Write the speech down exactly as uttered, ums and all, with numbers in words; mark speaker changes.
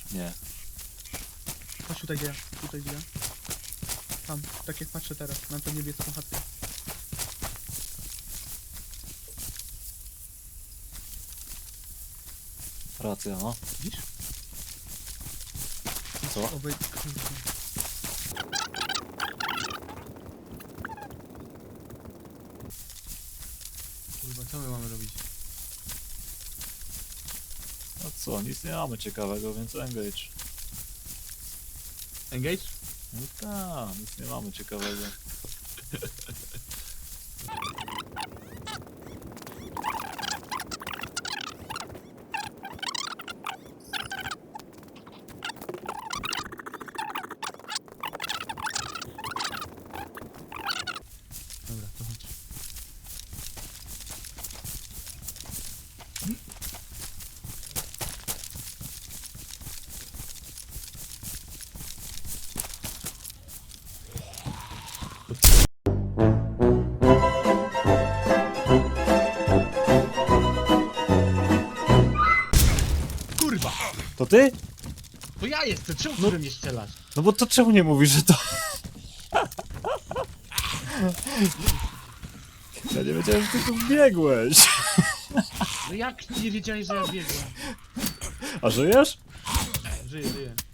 Speaker 1: Nie.
Speaker 2: Chodź tutaj gdzie ja, tutaj gdzie ja. Tam, tak jak patrzę teraz, na tę niebieską chatkę.
Speaker 1: Racja, no.
Speaker 2: Widzisz?
Speaker 1: Co?
Speaker 2: Obej... Kurde. Kurwa, co my mamy robić?
Speaker 1: No co, nic nie mamy ciekawego, więc engage.
Speaker 2: Engage?
Speaker 1: No tak, nic nie mamy ciekawego.
Speaker 2: Dobra, to chodź. Kurwa!
Speaker 1: To ty?
Speaker 2: To ja jestem, czemu
Speaker 1: No-
Speaker 2: no. mnie strzelasz?
Speaker 1: No bo to czemu nie mówisz, że to... Ja nie wiedziałem, że ty tu biegłeś.
Speaker 2: No jak nie wiedziałeś, że ja biegłem?
Speaker 1: A żyjesz?
Speaker 2: Żyję, żyję.